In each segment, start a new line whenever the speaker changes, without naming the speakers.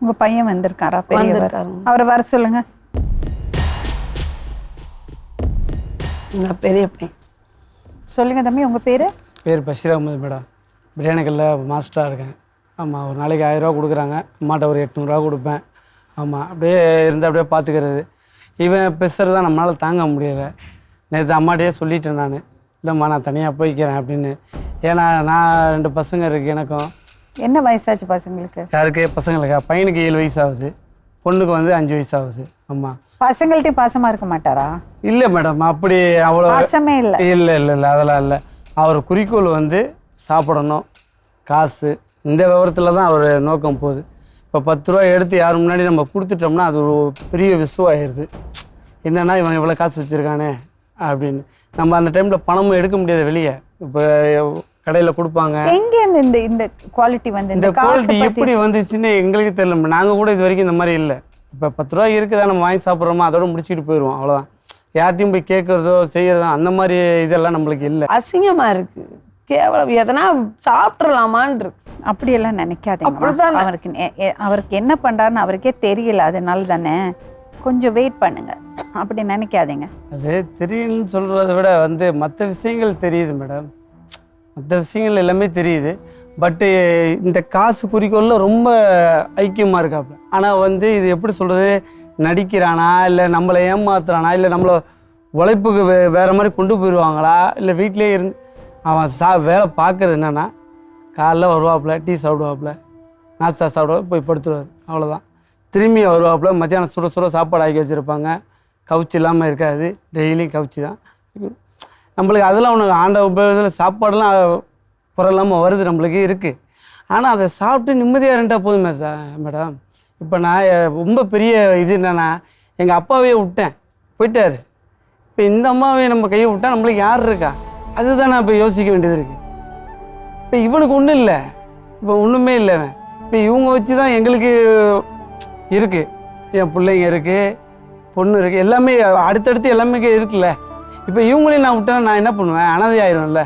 உங்க பையன் வந்திருக்காரா? பெரியவர்.
வந்திருக்காருங்க.
அவரை வர சொல்லுங்க.
நான் பெரிய பையன்.
சொல்லுங்க தம்பி, உங்க பேரு?
பேர் பஷீர் அகமது மேடம். பிரியாணிகளில் மாஸ்டராக இருக்கேன். ஆமாம், ஒரு நாளைக்கு 1000 ரூபா கொடுக்குறாங்க. அம்மாட்ட ஒரு 800 ரூபா கொடுப்பேன். ஆமாம், அப்படியே இருந்து அப்படியே பார்த்துக்கிறது. இவன் பேசுகிறது தான் நம்மளால் தாங்க முடியலை. நேற்று அம்மாட்டையே சொல்லிட்டேன் நான், இல்லைம்மா நான் தனியாக போய்க்கிறேன் அப்படின்னு. ஏன்னா நான் 2 பசங்க இருக்குது எனக்கும்.
என்ன வயசாச்சு பசங்களுக்கு?
யாருக்கு? பசங்களுக்கா? பையனுக்கு 7 வயசு ஆகுது, பொண்ணுக்கு வந்து 5 வயசு ஆகுது. ஆமாம்.
பசங்கள்ட்டையும் பாசமா இருக்க மாட்டாரா?
இல்லை மேடம், அப்படி அவ்வளோ
பாசமே இல்லை.
இல்லை இல்லை இல்லை, அதெல்லாம் இல்லை. அவர் குறிக்கோள் வந்து சாப்பிடணும், காசு, இந்த விவரத்தில் தான் அவர் நோக்கம் போகுது. இப்போ 10 ரூபா எடுத்து யார் முன்னாடி நம்ம கொடுத்துட்டோம்னா அது ஒரு பெரிய விஷயமாயிருது. என்னென்னா இவன் இவ்வளோ காசு வச்சுருக்கானே அப்படின்னு. நம்ம அந்த டைமில் பணமும் எடுக்க முடியாது வெளியே. இப்போ கடையில் கொடுப்பாங்க.
எங்கேருந்து இந்த இந்த குவாலிட்டி வந்து?
இந்த குவாலிட்டி எப்படி வந்துச்சுன்னு எங்களுக்கு தெரியல. நாங்கள் கூட இது வரைக்கும் இந்த மாதிரி இல்லை. இப்போ 10 ரூபா இருக்குதா, நம்ம வாங்கி சாப்பிட்றோமா, அதோட முடிச்சுட்டு போயிடுவோம், அவ்வளோதான். யார்ட்டையும் போய் கேட்குறதோ செய்கிறதோ அந்த மாதிரி இதெல்லாம் நம்மளுக்கு இல்லை.
அசிங்கமாக இருக்குது, கேவலம். எதனா சாப்பிட்றலாமான் இருக்கு.
அப்படியெல்லாம் நினைக்காதீங்க. அவருக்கு என்ன பண்ணுறாருன்னு அவருக்கே தெரியல, அதனால தானே. கொஞ்சம் வெயிட் பண்ணுங்க, அப்படி நினைக்காதீங்க.
அது தெரியும்னு சொல்கிறத விட வந்து மற்ற விஷயங்கள் தெரியுது மேடம். மற்ற விஷயங்கள் எல்லாமே தெரியுது. பட்டு இந்த காசு குறிக்கோளில் ரொம்ப ஐக்கியமாக இருக்காப்புல. ஆனால் வந்து இது எப்படி சொல்கிறது, நடிக்கிறானா இல்லை நம்மளை ஏமாத்துறானா இல்லை நம்மளை உழைப்புக்கு வேறு மாதிரி கொண்டு போயிடுவாங்களா இல்லை வீட்டிலே இருந்து அவன் வேலை பார்க்குறது என்னென்னா, காலைல வருவாப்புல, டீ சாப்பிடுவாப்புல, நாஸ்தா சாப்பிடுவா, போய் படுத்துருவார், அவ்வளோதான். திரும்பி வருவாப்புல, மத்தியானம் சுட சுட சாப்பாடு ஆக்கி வச்சுருப்பாங்க, கவுச்சி இல்லாமல் இருக்காது, டெய்லியும் கவுச்சி தான். நம்மளுக்கு அதெல்லாம் ஒன்று ஆண்ட உபயோகத்தில் சாப்பாடெல்லாம் குறையில்லாமல் வருது, நம்மளுக்கு இருக்குது. ஆனால் அதை சாப்பிட்டு நிம்மதியாக இருந்தால் போதுமே மேடம். இப்போ நான் ரொம்ப பெரிய இது என்னென்னா, எங்கள் அப்பாவையே விட்டேன், போயிட்டார். இப்போ இந்த அம்மாவையே நம்ம கையை விட்டால் நம்மளுக்கு யார் இருக்கா? அதுதான் நான் இப்போ யோசிக்க வேண்டியது இருக்குது. இப்போ இவனுக்கு ஒன்றும் இல்லை, இப்போ ஒன்றுமே இல்லை. இப்போ இவங்க வச்சு தான் எங்களுக்கு இருக்குது. என் பிள்ளைங்க இருக்குது, பொண்ணு இருக்குது, எல்லாமே அடுத்தடுத்து எல்லாமே இருக்குல்ல. இப்போ இவங்களையும் நான் விட்டேன்னா நான் என்ன பண்ணுவேன்? அனாதை ஆயிடும்ல.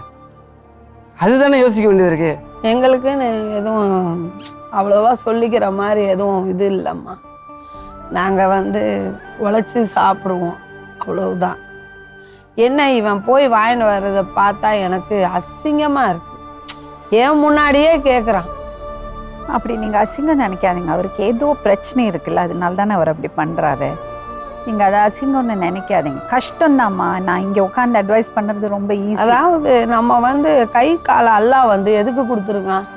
அதுதானே யோசிக்க வேண்டியது இருக்குது.
எங்களுக்குன்னு எதுவும் அவ்வளோவா சொல்லிக்கிற மாதிரி எதுவும் இது இல்லைம்மா. நாங்கள் வந்து உழைச்சி சாப்பிடுவோம், அவ்வளவுதான். என்ன இவன் போய் வாங்கிட்டு வர்றதை பார்த்தா எனக்கு அசிங்கமாக இருக்குது. ஏன் முன்னாடியே கேட்குறான்.
அப்படி நீங்கள் அசிங்கம் நினைக்காதீங்க. அவருக்கு ஏதோ பிரச்சனை இருக்குல்ல, அதனால தானே அவர் அப்படி பண்ணுறாரு. நீங்கள் அதை அசிங்கம்னு நினைக்காதீங்க. கஷ்டம்தாம்மா. நான் இங்கே உட்காந்து அட்வைஸ் பண்ணுறது ரொம்ப ஈஸி.
அதாவது நம்ம வந்து கை காலை எல்லாம் வந்து எதுக்கு கொடுத்துருக்கான்?